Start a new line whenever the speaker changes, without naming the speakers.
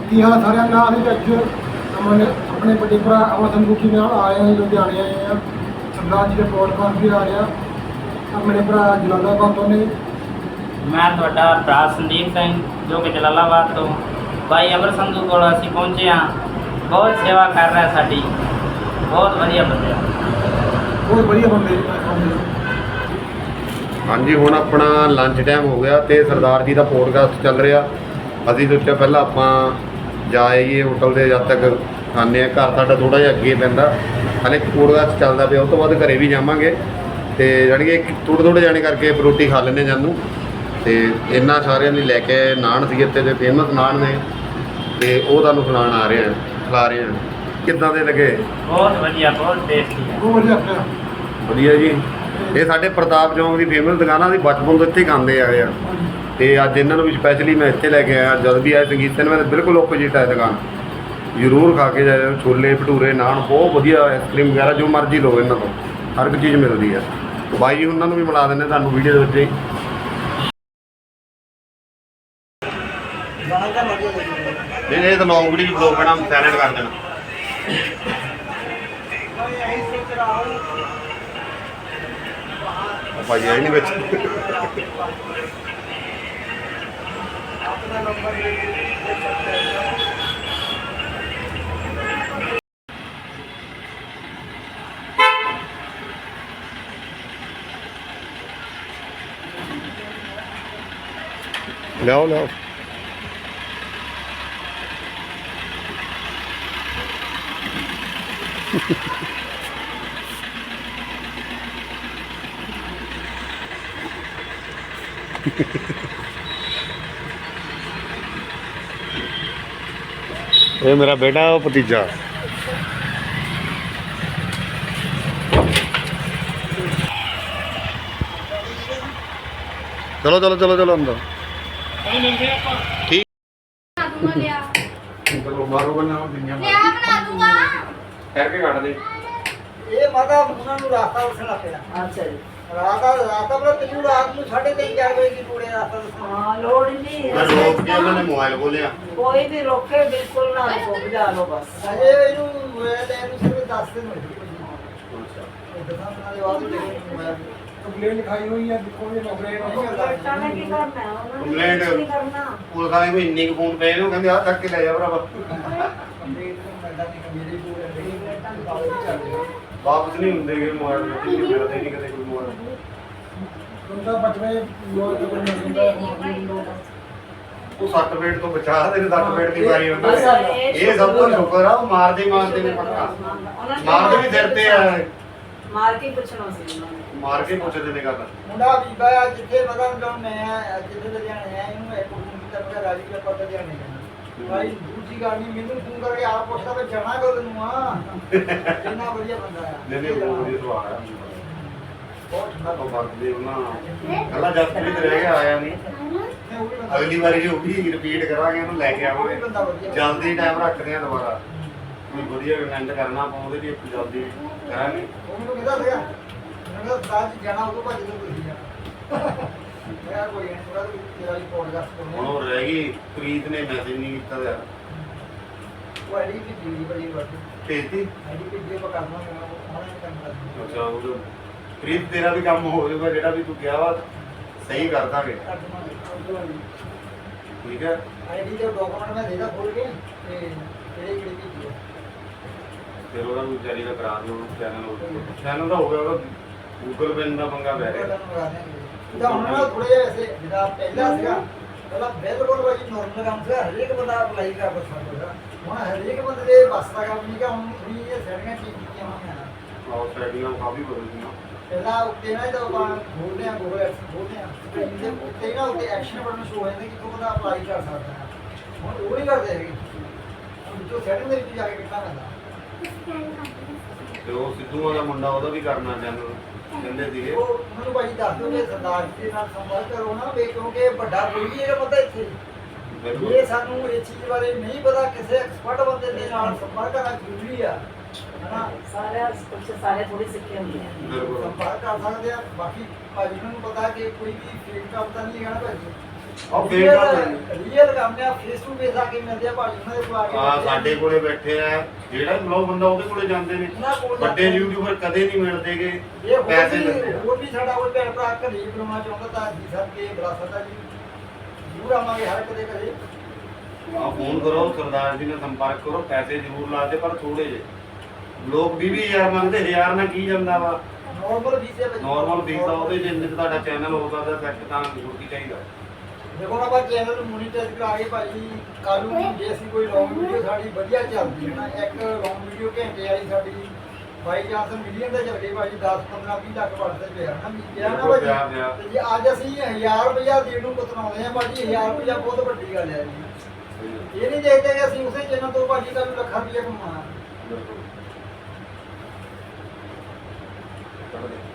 ਕੀ ਹਾਲ ਸਾਰਿਆਂ ਦਾ। ਅਸੀਂ ਅੱਜ ਆਪਣੇ ਵੱਡੇ ਭਰਾ ਅਮਰ ਸੰਦੂਖੀ ਨਾਲ ਆਏ ਹਾਂ, ਲੁਧਿਆਣੇ ਆਏ ਹਾਂ। ਸਰਦਾਰ ਜੀ ਦੇ ਪੋਡਕਾਸਟ ਵੀ ਆ ਰਿਹਾ ਆਪਣੇ ਭਰਾ ਜਲਾਲਾਬਾਦ ਤੋਂ ਨੇ।
ਮੈਂ ਤੁਹਾਡਾ ਭਰਾ ਸੰਦੀਪ ਸਿੰਘ ਜੋ ਕਿ ਜਲਾਲਾਬਾਦ ਤੋਂ ਭਾਈ ਅਮਰ ਸੰਧੂ ਕੋਲ ਅਸੀਂ ਪਹੁੰਚੇ ਹਾਂ। ਬਹੁਤ ਸੇਵਾ ਕਰ ਰਿਹਾ ਸਾਡੀ, ਬਹੁਤ ਵਧੀਆ ਬੰਦੇ ਆ,
ਬਹੁਤ ਵਧੀਆ ਬੰਦੇ।
ਹਾਂਜੀ, ਹੁਣ ਆਪਣਾ ਲੰਚ ਟਾਈਮ ਹੋ ਗਿਆ ਤੇ ਸਰਦਾਰ ਜੀ ਦਾ ਪੋਡਕਾਸਟ ਚੱਲ ਰਿਹਾ। ਅਸੀਂ ਸੋਚਿਆ ਪਹਿਲਾਂ ਆਪਾਂ ਜਾ ਆਈਏ ਹੋਟਲ ਦੇ, ਜਦ ਤੱਕ ਖਾਂਦੇ ਹਾਂ। ਘਰ ਸਾਡਾ ਥੋੜ੍ਹਾ ਜਿਹਾ ਅੱਗੇ ਪੈਂਦਾ, ਹਾਲੇ ਪੋਡਕਾਸਟ ਚੱਲਦਾ ਪਿਆ। ਉਸ ਤੋਂ ਬਾਅਦ ਘਰੇ ਵੀ ਜਾਵਾਂਗੇ ਤੇ ਜਾਣੀ ਕਿ ਥੋੜ੍ਹੇ ਜਾਣੇ ਕਰਕੇ ਰੋਟੀ ਖਾ ਲੈਂਦੇ ਜਾਨੂੰ। ਤੇ ਇਹਨਾਂ ਸਾਰਿਆਂ ਲਈ ਲੈ ਕੇ ਨਾਨ ਸੀ ਇੱਥੇ ਦੇ ਫੇਮਸ ਨਾਨ ਨੇ, ਤੇ ਉਹ ਤੁਹਾਨੂੰ ਖਿਲਾ ਰਹੇ ਹਾਂ। ਕਿੱਦਾਂ ਦੇ ਲੱਗੇ?
ਬਹੁਤ ਵਧੀਆ, ਬਹੁਤ ਟੇਸਟੀ ਹੈ,
ਬਹੁਤ ਵਧੀਆ।
ਵਧੀਆ ਜੀ। ਇਹ ਸਾਡੇ ਪ੍ਰਤਾਪ ਚੌਂਕ ਦੀ ਫੇਮਸ ਦੁਕਾਨਾਂ ਦੀ ਬਚਪਨ ਤੋਂ ਇੱਥੇ ਖਾਂਦੇ ਆਏ ਆ, ਤੇ ਅੱਜ ਇਹਨਾਂ ਨੂੰ ਵੀ ਸਪੈਸ਼ਲੀ ਮੈਂ ਇੱਥੇ ਲੈ ਕੇ ਆਇਆ। ਜਦ ਵੀ ਆਏ ਸੰਗੀਤ ਸਿਨੇਮਾ ਦੇ ਬਿਲਕੁਲ ਓਪੋਜਿਟ ਹੈ ਦੁਕਾਨ, ਜ਼ਰੂਰ ਖਾ ਕੇ ਜਾਇਓ। ਛੋਲੇ ਭਟੂਰੇ ਨਾਨ ਬਹੁਤ ਵਧੀਆ, ਆਈਸਕ੍ਰੀਮ ਵਗੈਰਾ ਜੋ ਮਰਜ਼ੀ ਲਓ, ਇਹਨਾਂ ਤੋਂ ਹਰ ਇੱਕ ਚੀਜ਼ ਮਿਲਦੀ ਹੈ। ਬਾਈ ਜੀ ਉਹਨਾਂ ਨੂੰ ਵੀ ਮਿਲਾ ਦਿੰਦੇ ਤੁਹਾਨੂੰ ਵੀਡੀਓ ਦੇ ਵਿੱਚ ਹੀ। ਨਹੀਂ ਇਹ ਤਾਂ ਲੌਂਗ ਵੀਡੀਓ ਬਲੌਗ ਬਣਾ ਸਾਈਲੈਂਟ ਕਰ ਦੇਣਾ। ਭਾਈ ਆਈ ਨਹੀਂ ਵਿੱਚ। ਲਿਆਓ ਇਹ ਮੇਰਾ ਬੇਟਾ, ਉਹ ਭਤੀਜਾ। ਚਲੋ ਅੰਦਰ। ਠੀਕ ਚਲੋ ਮਾਰੋ ਬਣਾ ਦੁਨੀਆ
ਬਣਾ ਦੂੰਗਾ।
ਕਹਿ ਕੇ ਕੱਢ ਦੇ।
ਇਹ ਮਾਤਾ ਉਹਨਾਂ ਨੂੰ ਰਾਸਤਾ ਦੱਸਣਾ ਪਿਆ।
ਅੱਛਾ ਜੀ।
ਰਾਸਤਾ ਬੜਾ ਤੈਨੂੰ ਰਾਤ ਨੂੰ 3:30 4 ਵਜੇ ਦੀ ਪੂਰੇ ਰਾਸਤਾ ਦੱਸਣਾ।
ਹਾਂ ਲੋੜ ਨਹੀਂ।
ਮੈਂ ਲੋਕ ਕੇ ਉਹਨਾਂ ਨੇ ਮੋਬਾਈਲ ਖੋਲਿਆ।
ਕੋਈ ਵੀ ਰੋਕੇ ਬਿਲਕੁਲ ਨਾ ਰੋਕੋ, ਬੁਝਾ ਲਓ ਬਸ।
ਅਜੇ ਇਹਨੂੰ ਇਹਨੂੰ ਸਿਰਫ 10 ਦਿਨ ਹੋਏ। ਕੰਪਲੇਂਟ ਲਿਖਾਈ ਹੋਈ ਹੈ, ਦੇਖੋ ਇਹ
ਬੇਟਾ ਨੇ ਕੀ ਕਰਨਾ ਹੈ? ਉਹਨਾਂ ਨੇ ਕੁਛ ਨਹੀਂ ਕਰਨਾ।
ਪੁਲਿਸ ਵਾਲੇ ਕੋਈ ਇੰਨੇ ਕੁ ਫੋਨ ਪਏ ਨੇ, ਉਹ ਕਹਿੰਦੇ ਆਹ ਚੱਕ ਕੇ ਲੈ ਜਾ ਭਰਾਵਾ। ਵਾਪਸ ਨਹੀਂ ਹੁੰਦੇ ਕਿ ਮੋਬਾਈਲ ਮਿਲਦੇ ਨਹੀਂ ਕਦੇ ਕੋਈ ਮੋਬਾਈਲ। ਉਹ ਸਰਟੀਫਿਕੇਟ ਤੋਂ ਬਚਾ ਦੇ, ਸਰਟੀਫਿਕੇਟ ਦੀ ਵਾਰੀ ਹੁੰਦਾ ਹੈ। ਇਹ ਸਭ ਤੋਂ ਸ਼ੁਕਰ ਆ, ਉਹ ਮਾਰਦੇ ਨੇ ਪੱਕਾ। ਮਾਰਦੇ ਵੀ ਸਿਰ ਤੇ ਆ,
ਮਾਰ ਕੇ ਪੁੱਛਣਾ ਸੀ ਉਹਨਾਂ ਨੇ।
ਮਾਰ ਕੇ ਪੁੱਛਦੇ ਨੇ ਗੱਲ।
ਮੁੰਡਾ ਬੀਬਾ ਆ ਜਿੱਥੇ ਮਤਲਬ ਜਦੋਂ ਮੈਂ ਜਿੱਥੇ ਲੁਧਿਆਣੇ ਆਇਆ ਇਹਨੂੰ ਇੱਕ ਫੋਨ ਕੀਤਾ, ਮੈਂ ਰਾਜੀ ਦਾ ਪਤਾ ਲੁਧਿਆਣੇ ਜਾਣਾ। ਭਾਈ ਦੂਜੀ ਗੱਲ ਨਹੀਂ, ਮੈਨੂੰ ਫੋਨ ਕਰਕੇ ਆਪ ਪੁੱਛਦਾ ਮੈਂ ਜਾਣਾ ਕਦੋਂ ਨੂੰ ਆ। ਇੰਨਾ ਵਧੀਆ ਬੰਦਾ ਆ।
ਨਹੀਂ ਬਹੁਤ ਵਧੀਆ ਸੁਭਾਅ ਆ, ਬਹੁਤ ਠੰਡਾ ਵਰਤਦੇ ਉਹਨਾਂ। ਕੱਲਾ ਜਸਪ੍ਰੀਤ ਰਹਿ ਗਿਆ, ਆਇਆ ਨਹੀਂ। ਅਗਲੀ ਵਾਰੀ ਜੋ ਵੀ ਰਿਪੀਟ ਕਰਾਂਗੇ ਉਹਨੂੰ ਲੈ ਕੇ ਆਵਾਂਗੇ। ਜਲਦੀ ਟਾਈਮ ਰੱਖਦੇ ਆ ਦੁਬਾਰਾ, ਕੋਈ ਵਧੀਆ ਕੰਟੈਂਟ ਕਰਨਾ ਆਪਾਂ ਉਹਦੇ ਲਈ ਜਲਦੀ ਕਰਾਂਗੇ।
ਉਹ ਮੈਨੂੰ ਕਹਿੰਦਾ ਸੀਗਾ, ਮੈਂ ਕਿਹਾ ਸਾਜ ਜਾਣਾ ਉਦੋਂ ਭੱਜ ਕੇ ਤੁਸੀਂ ਜਾਣਾ। ਮੈਂ ਕੋਈ ਨਹੀਂ, ਥੋੜਾ ਤੇਰਾ ਵੀ ਪੋਡਕਾਸਟ
ਹੁਣ
ਕਰਨਾ।
ਉਹ ਰਹਿ ਗਈ, ਪ੍ਰੀਤ ਨੇ ਮੈਸੇਜ ਨਹੀਂ ਕੀਤਾ ਯਾਰ।
ਉਹ ਆਈਡੀ ਵੀ ਜੀੜੀ ਬੜੀ ਵੱਡੀ
ਭੇਜਤੀ।
ਆਈਡੀ ਵੀ ਜੇ ਪਕੜਨਾ ਮੈਂ ਉਹਨਾਂ ਨੇ ਕੰਮ ਕਰਨਾ।
ਅੱਛਾ, ਉਹ ਪ੍ਰੀਤ ਤੇਰਾ ਵੀ ਕੰਮ ਹੋ ਜਾਊਗਾ, ਜਿਹੜਾ ਵੀ ਤੂੰ ਕਿਹਾ ਵਾ ਸਹੀ ਕਰ ਦਾਂਗੇ। ਠੀਕ ਹੈ।
ਆਈਡੀ ਦੇ ਡਾਕੂਮੈਂਟ ਮੈਂ ਦੇਦਾ ਖੋਲ ਕੇ ਤੇ ਕਿਹੜੇ ਭੇਜੀ
ਫਿਰ ਉਹਦਾ ਵਿਚਾਰੀ ਦਾ ਕਰਾ ਦਿਓ ਚੈਨਲ ਦਾ ਹੋ ਗਿਆ, ਉਹਦਾ ਗੂਗਲ ਪੇ ਦਾ ਪੰਗਾ ਪੈ ਰਿਹਾ।
ਉਹਦਾ ਹੁਣ ਨਾ ਥੋੜੇ ਜਿਹਾ ਐਸੇ ਜਿਹੜਾ ਪਹਿਲਾਂ ਸੀਗਾ, ਪਹਿਲਾਂ ਬਿਲਕੁਲ ਭਾਜੀ ਨੋਰਮਲ ਕੰਮ ਸੀਗਾ, ਹਰੇਕ ਬੰਦਾ ਅਪਲਾਈ ਕਰ ਸਕਦਾ। ਹੁਣ ਹਰੇਕ ਬੰਦੇ ਦੇ ਬਸ ਦਾ ਕੰਮ ਨਹੀਂ ਗਾ। ਹੁਣ ਥੋੜੀ ਜਿਹੀ ਸੈਟਿੰਗਾਂ ਠੀਕ ਕੀਤੀਆਂ ਹੋਈਆਂ।
ਆਹ ਸੈਟਿੰਗਾਂ ਕਾਫੀ ਬਦਲਦੀਆਂ।
ਪਹਿਲਾਂ ਉੱਤੇ ਨਾ ਜਦੋਂ ਆਪਾਂ ਖੋਲਦੇ ਆ ਗੂਗਲ ਐਪਸ ਖੋਲਦੇ ਆ ਤੇ ਉੱਤੇ ਨਾ ਉੱਤੇ ਐਕਸ਼ਨ ਬਟਨ ਸ਼ੋ ਹੋ ਜਾਂਦਾ ਕਿ ਕੋਈ ਬੰਦਾ ਅਪਲਾਈ ਕਰ ਸਕਦਾ ਹੈ। ਹੁਣ ਉਹ ਨਹੀਂ ਕਰਦੇ ਹੈਗੇ, ਹੁਣ ਜੋ ਸੈਟਿੰਗ ਦੇ ਵਿੱਚ ਜਾ ਕੇ ਕਿੱਦਾਂ ਕਰਦਾ।
ਤੇ ਉਹ ਸਿੱਧੂ ਵਾਲਾ ਮੁੰਡਾ, ਉਹਦਾ ਵੀ ਕਰਨਾ ਚੈਨਲ ਕਹਿੰਦੇ ਸੀਗੇ।
ਉਹ ਮੈਨੂੰ ਭਾਜੀ ਦੱਸ ਦਿਓ ਕਿ ਸਰਦਾਰ ਜੀ ਦੇ ਨਾਲ ਸੰਪਰਕ ਕਰੋ ਨਾ, ਕਿਉਂਕਿ ਵੱਡਾ ਕੋਈ ਵੀ ਇਹਦਾ ਪਤਾ ਇੱਥੇ ਇਹ ਸਾਨੂੰ ਇਹ ਚੀਜ਼ ਬਾਰੇ ਨਹੀਂ ਪਤਾ। ਕਿਸੇ ਐਕਸਪਰਟ ਬੰਦੇ ਦੇ ਨਾਲ ਸੰਪਰਕ ਕਰਨਾ ਜ਼ਰੂਰੀ ਆ।
ਸਾਰੇ ਥੋੜੀ ਸਿੱਖੇ ਹੁੰਦੇ ਆ।
ਸੰਪਰਕ ਕਰ ਸਕਦੇ ਆ। ਬਾਕੀ ਭਾਜੀ ਨੂੰ ਪਤਾ ਕਿ ਕੋਈ ਵੀ ਫੇਕ ਕੰਮ ਤਾਂ ਨਹੀਂ ਹੈਗਾ ਨਾ ਭਾਜੀ।
ਉਹ ਫੇਰ
ਰੀਅਲ ਕੰਮ ਆ, ਫੇਸ ਟੂ ਫੇਸ ਆ ਕੇ ਮਿਲਦੇ ਆ ਭਾਜੀ ਉਹਨਾਂ ਦੇ ਕੋਲ ਆ ਕੇ
ਆ ਸਾਡੇ ਕੋਲੇ ਬੈਠੇ ਆ, ਜਿਹੜਾ ਬਲੌਗ ਬੰਦਾ ਉਹਦੇ ਕੋਲੇ ਜਾਂਦੇ ਨੇ।
ਉਹਨਾਂ ਕੋਲ
ਵੱਡੇ ਯੂਟਿਊਬਰ ਕਦੇ ਨਹੀਂ ਮਿਲਦੇਗੇ,
ਇਹ
ਪੈਸੇ
ਪੈਸੇ
ਦਿੰਦੇ ਆ।
ਹੋਰ ਵੀ ਸਾਡਾ ਕੋਈ ਭੈਣ ਭਰਾ ਘਰੇ ਬਣਾਉਣਾ ਚਾਹੁੰਦਾ ਤਾਂ ਜੀ ਸਰ ਕੇ ਬੁਲਾ ਸਕਦਾ ਜੀ, ਜ਼ਰੂਰ ਆਵਾਂਗੇ ਹਰ ਕਦੇ ਘਰੇ।
ਆ ਫੋਨ ਕਰੋ, ਸਰਦਾਰ ਜੀ ਨਾਲ ਸੰਪਰਕ ਕਰੋ, ਪੈਸੇ ਜ਼ਰੂਰ ਲਾ ਦੇ ਪਰ ਥੋੜੇ ਜਿਹੇ। ਲੋਕ 20,000 ਮੰਗਦੇ, 1000 ਨਾਲ ਕੀ ਜਾਂਦਾ ਵਾ।
ਨਾਰਮਲ ਵੀਜ਼ੇ ਵਿੱਚ
ਨਾਰਮਲ ਵੀਜ਼ਾ ਉਹਦੇ ਜਿੰਨੇ ਤੁਹਾਡਾ ਚੈਨਲ ਹੋ ਸਕਦਾ ਸੈੱਟ ਤਾਂ ਜ਼ਰੂਰ ਕੀ ਚਾਹੀਦਾ।
ਦੇਖੋ ਨਾ ਆਪਾਂ ਚੈਨਲ ਨੂੰ ਮੋਨੀਟਾਈਜ਼ ਕਰਾ ਕੇ ਭਾਜੀ ਕੱਲ ਨੂੰ ਜੇ ਅਸੀਂ ਕੋਈ ਲੌਂਗ ਵੀਡੀਓ ਸਾਡੀ ਵਧੀਆ ਚੱਲਦੀ ਹੈ ਨਾ, ਇੱਕ ਲੌਂਗ ਵੀਡੀਓ ਘੰਟੇ ਵਾਲੀ ਸਾਡੀ ਬਾਈ ਚਾਂਸ ਮਿਲੀਅਨ ਤੇ ਚੱਲ ਗਈ ਭਾਜੀ, 10 15 20 ਲੱਖ ਵੱਧਦੇ ਪਿਆ ਨਾ ਵੀ ਕਿਹਾ ਨਾ ਭਾਜੀ। ਤੇ ਜੇ ਅੱਜ ਅਸੀਂ 1000 ਰੁਪਇਆ ਦੇਣ ਨੂੰ ਕਤਰਾਉਂਦੇ ਆ ਭਾਜੀ, 1000 ਰੁਪਇਆ ਬਹੁਤ ਵੱਡੀ ਗੱਲ ਹੈ ਜੀ। ਇਹ ਨਹੀਂ ਦੇਖਦੇ ਕਿ ਅਸੀਂ ਉਸੇ ਚੈਨਲ ਤੋਂ ਭਾਜੀ ਕੱਲ ਨੂੰ ਲੱਖਾਂ ਰੁਪਇਆ ਕਮਾਉਣਾ।